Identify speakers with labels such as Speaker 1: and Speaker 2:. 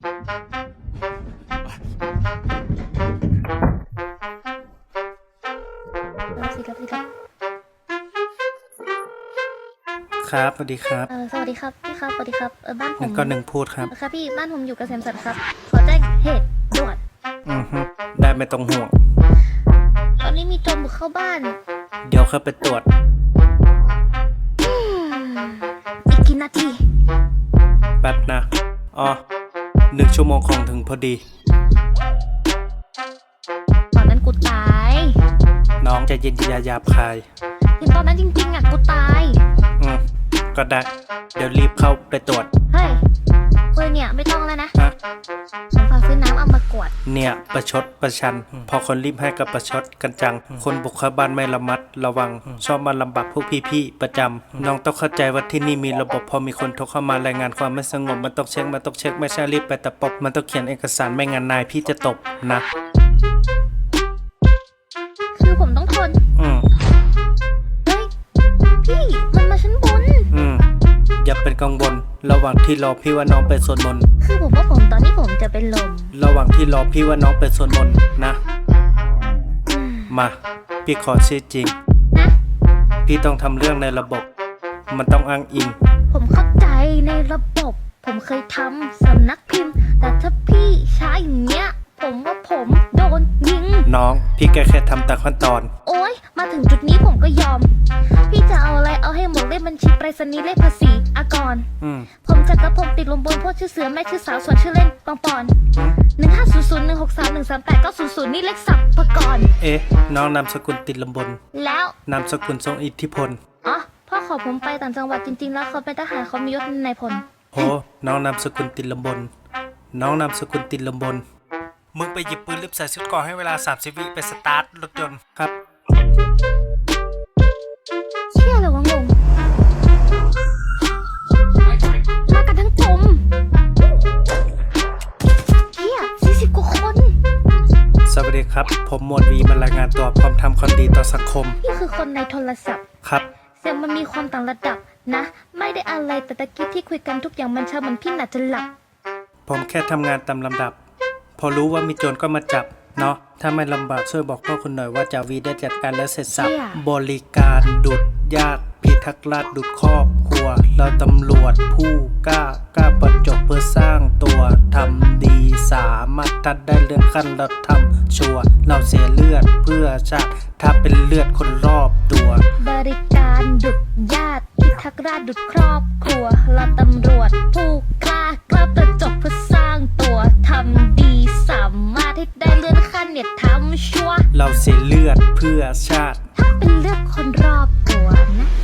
Speaker 1: ครับสวัสดีครับ
Speaker 2: สวัสดีครับพี่ครับสวัสดีครับบ้านผม
Speaker 1: 1 พูดครับ
Speaker 2: ครับพี่บ้านผมอยู่เกษมสันครับขอแจ้งเหตุด่วน
Speaker 1: ได้ไม่ต้องห่วง
Speaker 2: ตอนนี้มีโจรบุกเข้าบ้าน
Speaker 1: เดี๋ยวเข้าไปตรวจ
Speaker 2: อีกกี่นาที
Speaker 1: แป๊บนะ1 ชั่วโมงคงถึงพอดี
Speaker 2: ตอนนั้นกูตาย
Speaker 1: น้องใจเย็นอย่าหยาบคาย
Speaker 2: เห็นตอนนั้นจริงๆกูตาย
Speaker 1: ก็ได้เดี๋ยวรีบเข้าไปตรวจ
Speaker 2: เฮ้ยเว้ยเนี่ยไม่ต้องแล้วนะผมฝากซื้อน้ำเอามากวด
Speaker 1: เนี่ยประชดประชันพอคนรีบให้กับประชดกันจังคนบุกเข้าบ้านไม่ระมัดระวังชอบมาลำบากพวกพี่ๆประจำน้องต้องเข้าใจว่าที่นี่มีระบบพอมีคนโทรเข้ามารายงานความไม่สงบมันต้องเช็คไม่ใช่รีบไปตะปบมันต้องเขียนเอกสารไม่งั้นนายพี่จะตบนะ
Speaker 2: คือผมต้องทนเฮ้ยพี่มันมาชั้นบน
Speaker 1: อย่าเป็นกังวลระหว่างที่รอพี่ว่าน้องไปสวดมนต์
Speaker 2: คือผมว่าตอนนี้ผมจะเป็นลม
Speaker 1: ระหว่างที่รอพี่ว่าน้องไปสวดมนต์นะมาพี่ขอชื่อจริง
Speaker 2: นะ
Speaker 1: พี่ต้องทำเรื่องในระบบมันต้องอ้างอิง
Speaker 2: ผมเข้าใจในระบบผมเคยทำสำนักพิมพ์แต่ถ้าพี่ใช้อย่างเงี้ยผมว่าผมโดนยิง
Speaker 1: น้องพี่แค่ทำตามขั้นตอน
Speaker 2: โอ๊ยมาถึงจุดนี้ผมก็ยอมพี่จะเอาอะไรเอาให้หมดเลขบัญชีไปรษณีย์เลขภาษีอากรผมจักรพงศ์ติดลมบนพวกชื่อเสือแม่ชื่อสาวส่วนชื่อเล่นปองปอน150016313890นี่เลขสับปกรณ์
Speaker 1: น้องนามสกุลติดลมบน
Speaker 2: แล้ว
Speaker 1: นามสกุลทรงอิทธิพล
Speaker 2: พ่อขอผมไปต่างจังหวัดจริงๆแล้วเขาเป็นทหารเขามียศนายพล
Speaker 1: น้องนามสกุลติดลมบนน้องนามสกุลติดลมบนมึงไปหยิบปืนรีบใส่ชุดก่อให้เวลา30 วิไปสตาร์ทรถยนต์ครับ
Speaker 2: เชี่ยเลยวะงงมากันทั้งกลมเฮีย40 กว่าคน
Speaker 1: สวัสดีครับผมหมวดวีมารายงานตัวพร้อมทำความดีต่อสังคม
Speaker 2: นี่คือคนในโทรศัพท์
Speaker 1: ครับ
Speaker 2: เสียงมันมีความต่างระดับนะไม่ได้อะไรแต่ตะกี้ที่คุยกันทุกอย่างมันเชื่อเหมือนพี่น่าจะหลับ
Speaker 1: ผมแค่ทำงานตามลำดับพอรู้ว่ามีโจรก็มาจับเนาะถ้าไม่ลำบากช่วยบอกพ่อคุณหน่อยว่าจ่าวีได้จัดการแล้วเสร็จสับบริการดุจญาติพิทักษ์ราษฎร์ดุจครอบครัวเราตำรวจผู้กล้าประจบเพื่อสร้างตัวทำดีสามารถทัดได้เลื่อนขั้นเราทำชัวเราเสียเลือดเพื่อชาติถ้าเป็นเลือดคนรอบตัว
Speaker 2: บริการดุจญาติพิทักษ์ราษฎร์ดุจครอบครัวเราตำรวจผู้กล้าประจบเพื่อสร้างตัวทำดีสามารถให้ได้เลื่อนขั้นเนี่ยทำชัว
Speaker 1: เราเสียเลือดเพื่อชาติ
Speaker 2: ถ้าเป็นเลือดคนรอบตัวนะ